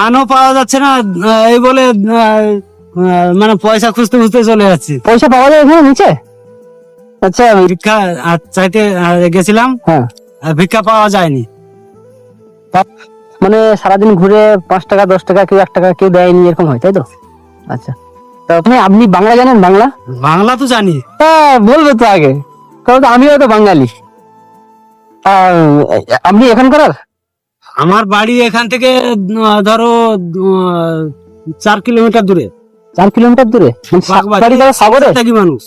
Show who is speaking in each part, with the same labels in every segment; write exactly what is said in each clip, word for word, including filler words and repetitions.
Speaker 1: ধানও পাওয়া যাচ্ছে না, এই বলে মানে পয়সা খুঁজতে খুঁজতে চলে যাচ্ছি।
Speaker 2: পয়সা পাওয়া যায় এখানে নিচে? আচ্ছা,
Speaker 1: ভিক্ষা চাইতে গেছিলাম,
Speaker 2: হ্যাঁ,
Speaker 1: ভিক্ষা পাওয়া যায়নি।
Speaker 2: মানে সারাদিন ঘুরে পাঁচ টাকা দশ টাকা কেউ এক টাকা কেউ দেয়নি, এরকম হয় তাই তো? আচ্ছা, তো আপনি আপনি বাংলা জানেন? বাংলা
Speaker 1: বাংলা তো জানি।
Speaker 2: হ্যাঁ, বলবে তো আগে, কারণ আমিও তো বাঙালি। আর আপনি এখানকার?
Speaker 1: আমার বাড়ি এখান থেকে ধরো চার কিলোমিটার দূরে।
Speaker 2: চার কিলোমিটার দূরে? সাগরে
Speaker 1: থাকি মানুষ,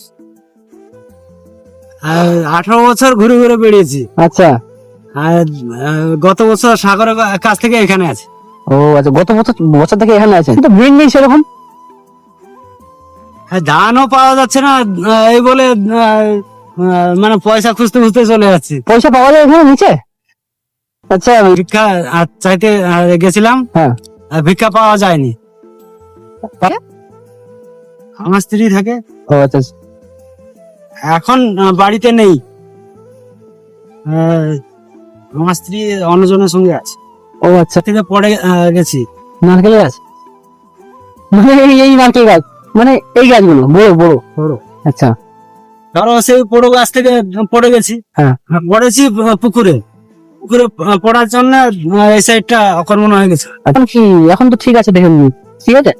Speaker 1: আঠারো বছর ঘুরে ঘুরে বেরিয়েছি।
Speaker 2: আচ্ছা,
Speaker 1: আর গত বছর সাগরের কাছ থেকে এখানে আছে।
Speaker 2: ও আচ্ছা, গত বছর বছর থেকে এখানে আছেন। তো ব্রেন নেই সেরকম?
Speaker 1: ধানও পাওয়া যাচ্ছে না, এই বলে মানে পয়সা খুঁজতে খুঁজতে চলে যাচ্ছি।
Speaker 2: পয়সা পাওয়া যায় এখানে নিচে? আচ্ছা,
Speaker 1: ভিক্ষা চাইতে গেছিলাম,
Speaker 2: হ্যাঁ,
Speaker 1: ভিক্ষা পাওয়া যায়নি। আমার স্ত্রী থাকে।
Speaker 2: ও আচ্ছা,
Speaker 1: এখন বাড়িতে নেই, আমার স্ত্রী অন্যজনের সঙ্গে আছে।
Speaker 2: ও আচ্ছা,
Speaker 1: থেকে পড়ে গেছি।
Speaker 2: নারকেল গাছ? মানে এই নারকেল গাছ, মানে এই গাছগুলো বড় বড় বড়? আচ্ছা,
Speaker 1: ধরো সেই বড় গাছ থেকে পড়ে গেছি।
Speaker 2: হ্যাঁ,
Speaker 1: পড়েছি পুকুরে, পুকুরে পড়ার জন্য এই সাইডটা অকর্মণ হয়ে গেছে।
Speaker 2: এখন কি? এখন তো ঠিক আছে, দেখেন ঠিক আছে।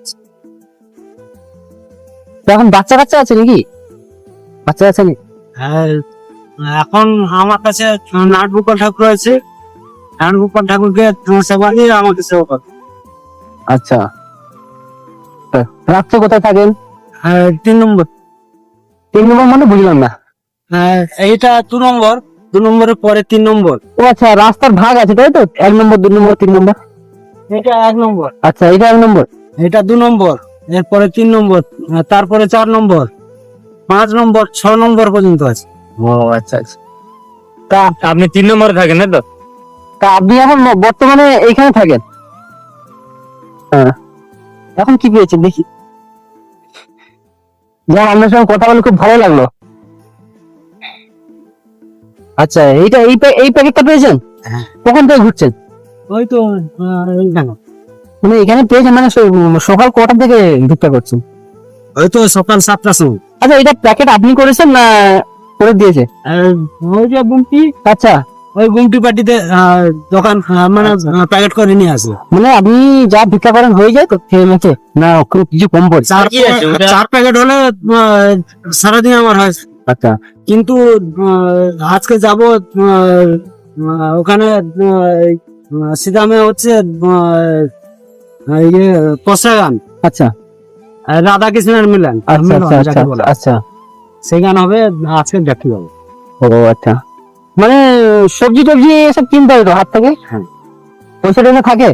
Speaker 2: এখন বাচ্চা কাচ্চা আছে নাকি? বাচ্চা আছে নাকি?
Speaker 1: হ্যাঁ, এখন আমার কাছে নাট গোপাল ঠাকুর আছে, নাট গোপাল ঠাকুরকে সেবা দিয়ে আমাকে সেবা করে।
Speaker 2: আচ্ছা, রাত্রে কোথায় থাকেন?
Speaker 1: তিন নম্বর।
Speaker 2: তিন নম্বর মানে বুঝলাম না।
Speaker 1: এইটা দু নম্বর, দু নম্বরের পরে তিন নম্বর।
Speaker 2: ও আচ্ছা, রাস্তার ভাগ আছে তাই তো? এক নম্বর, দুই নম্বর, তিন নম্বর?
Speaker 1: এটা এক নম্বর।
Speaker 2: আচ্ছা, এটা এক নম্বর,
Speaker 1: এটা দু নম্বর, এরপরে তিন নম্বর, তারপরে চার নম্বর, পাঁচ নম্বর, ছ নম্বর পর্যন্ত আছে।
Speaker 2: ও আচ্ছা আচ্ছা। তা
Speaker 1: আপনি তিন নম্বরে থাকেন না তো?
Speaker 2: তা আপনি এখন বর্তমানে এইখানে থাকেন? হ্যাঁ। এখন কি পেয়েছেন দেখি? যা, আপনার সঙ্গে কথা বলে খুব ভালো লাগলো। আচ্ছা, এইটা এই এই প্যাকেটটা পেয়েছেন?
Speaker 1: হ্যাঁ।
Speaker 2: কখন থেকে ঘুরছেন?
Speaker 1: ওই তো এইখানে।
Speaker 2: মানে এখানে পেয়েছেন মানে সকাল কটা থেকে ভিক্ষা করছেন?
Speaker 1: ওই তো সকাল সাতটার সময়।
Speaker 2: আচ্ছা, এটা প্যাকেট আপনি করেছেন না করে দিয়েছে?
Speaker 1: ওই যে গুমটি।
Speaker 2: আচ্ছা,
Speaker 1: ওই গুমটি পার্টিতে দোকান মানে প্যাকেট করে নিয়ে আসে।
Speaker 2: মানে আপনি যা ভিক্ষা করেন হয়ে যায় তো খেয়ে মেখে, না কিছু কম পড়ে?
Speaker 1: চার প্যাকেট হলে সারাদিন আমার হয়।
Speaker 2: আচ্ছা,
Speaker 1: কিন্তু আজকে যাব ওখানে সিদামে হচ্ছে ইয়ে পশা গান।
Speaker 2: আচ্ছা,
Speaker 1: রাধা কৃষ্ণের মিলন।
Speaker 2: আচ্ছা আচ্ছা আচ্ছা,
Speaker 1: সেই গান হবে আজকে, দেখতে যাবো।
Speaker 2: ও আচ্ছা, মানে সবজি টবজি এসব কিনতে হবে তো হাত থেকে?
Speaker 1: হ্যাঁ।
Speaker 2: পয়সা টয়সা থাকে?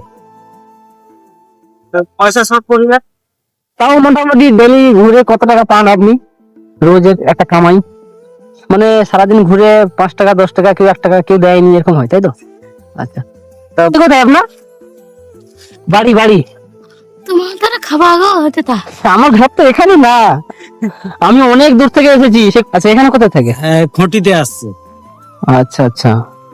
Speaker 1: পয়সা সব পরিবার।
Speaker 2: তাও মোটামুটি ডেলি ঘুরে কত টাকা পান আপনি? রোজের একটা কামাই, মানে সারাদিন ঘুরে পাঁচ টাকা দশ টাকা কেউ এক টাকা কেউ দেয়নি, এরকম হয় তাই তো? আচ্ছা, কোথায় আপনার বাড়ি? বাড়ি
Speaker 3: তোমার দ্বারা খাওয়া হতে তা
Speaker 2: আমার ঘর তো এখানে না, আমি অনেক দূর থেকে এসেছি। আচ্ছা, এখানে কোথায় থাকে?
Speaker 1: খুঁটিতে আসছে।
Speaker 2: আচ্ছা আচ্ছা,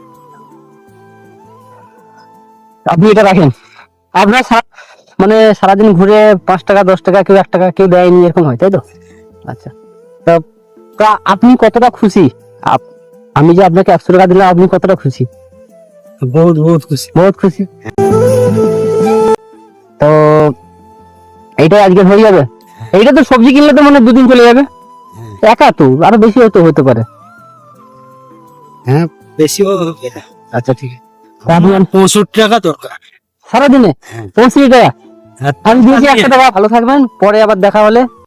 Speaker 2: আপনি এটা রাখেন। আপনার মানে সারাদিন ঘুরে পাঁচ টাকা দশ টাকা কেউ এক টাকা কেউ দেয়নি, এরকম হয় তাই তো? আচ্ছা, তা আপনি কতটা খুশি? আমি যে আপনাকে একশো টাকা দিলাম, আপনি কতটা খুশি?
Speaker 1: বহুত বহুত খুশি,
Speaker 2: বহুত খুশি। তো এইটাই আজকে হয়ে যাবে? এইটা তো সবজি কিনলে তো মানে দুদিন চলে যাবে। একা তো আরো বেশি হয়তো হতে পারে।
Speaker 1: হ্যাঁ, বেশি।
Speaker 2: আচ্ছা, ঠিক
Speaker 1: আছে। পঁয়ষট্টি টাকা দরকার
Speaker 2: সারাদিনে? পঁয়ষট্টি টাকা আমি দিয়েছি, একশো টাকা। ভালো থাকবেন, পরে আবার দেখা হলে